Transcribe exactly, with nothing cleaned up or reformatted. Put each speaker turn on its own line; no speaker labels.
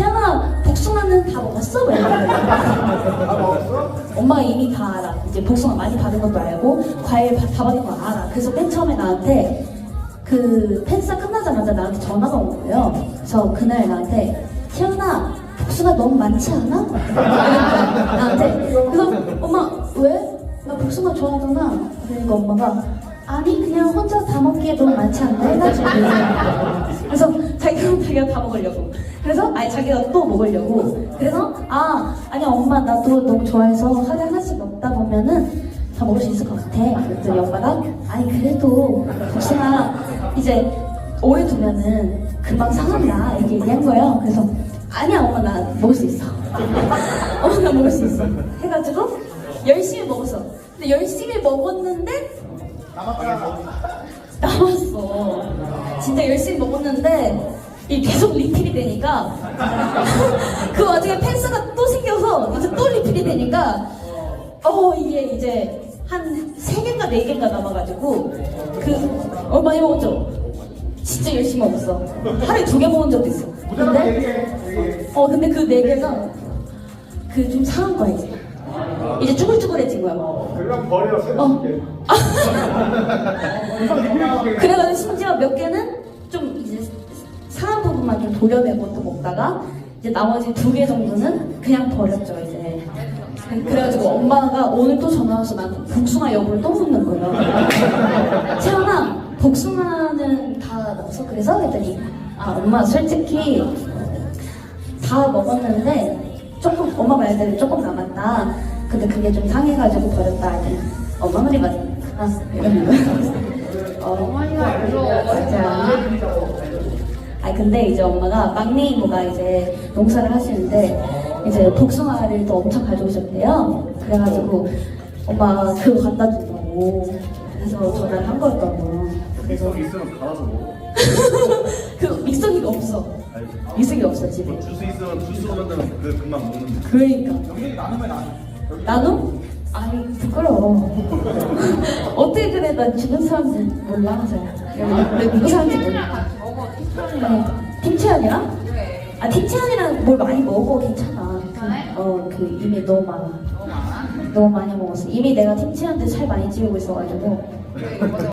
태연아 복숭아는 다 먹었어? 왜 이러는 거야?
다 먹었어?
엄마가 이미 다 알아. 이제 복숭아 많이 받은 것도 알고 과일 다, 다 받은 거 알아. 그래서 맨 처음에 나한테 그 팬싸 끝나자마자 나한테 전화가 온 거예요. 그래서 그날 나한테 태연아 복숭아 너무 많지 않아? 그러니까 나한테. 그래서 엄마 왜? 나 복숭아 좋아하잖아. 그러니까 엄마가 아니 그냥 혼자 다 먹기에 너무 많지 않나 해가지고. 그래서 자기가 자기가 다 먹으려고. 그래서 아니 자기가 또 먹으려고. 그래서 아 아니 엄마 나도 너무 좋아해서 하루에 하나씩 먹다 보면은 다 먹을 수 있을 것 같아. 그랬더니 엄마가 아니 그래도 복숭아 이제 오래 두면은 금방 상한다 이렇게 얘기한 거예요. 그래서 아니야 엄마 나 먹을 수 있어. 엄마 나 먹을 수 있어. 해가지고 열심히 먹었어. 근데 열심히 먹었는데 남았어. 진짜 열심히 먹었는데 이 계속 리필이 되니까 그 와중에 펜스가 또 생겨서 이제 또 리필이 되니까 어 이게 이제 한 세 개인가 네 개인가 남아가지고 그 어 많이 먹었죠? 진짜 열심히 먹었어. 하루에 두 개 먹은 적도 있어. 근데 어 근데 그 네 개가 그 좀 상한 거야 이제. 이제 쭈글쭈글해진 거야.
그럼 버려.
어. 그래가지고 심지어 몇 개는 좀 이제 상한 부분만 좀 도려내고 또 먹다가 이제 나머지 두 개 정도는 그냥 버렸죠 이제. 그래가지고 엄마가 오늘 또 전화 와서 난 복숭아 여부를 또 묻는 거예요. 채연아 복숭아는 다 넣었어? 그래서 그랬더니 아 엄마 솔직히 다 먹었는데 조금 엄마 말대로 조금 남았다. 근데 그게 좀 상해가지고 버렸다. 하니 엄마 말이 맞나? 이러는 거야. 어,
어머니가 무서워.
진짜. 아 근데 이제 엄마가 막내 이모가 이제 농사를 하시는데 이제 복숭아를 또 엄청 가져오셨대요. 그래가지고 엄마가 그거 갖다 준다고 그래서 전화를 한 거였다고.
믹서기 있으면 갈아서 먹어.
그 믹서기가 없어. 믹서기 없어 집에.
주스 있으면 주스로 만들면 그 금방 먹는데.
그러니까.
여기 나누면 안
나도? 아니 부끄러워. 어떻게 그래? 난 주변 사람들 몰라. 내 누구 사람인지 몰라.
먹어, 티천이랑.
팀채연이랑?
그래.
아 팀채연이랑 뭘 많이 먹어 괜찮아.
괜찮아요?
그, 어, 그 이미 너무 많아.
너무 많아?
너무 많이 먹었어. 이미 내가 팀채연한테 살 많이 찌우고 있어가지고.
그래, 이거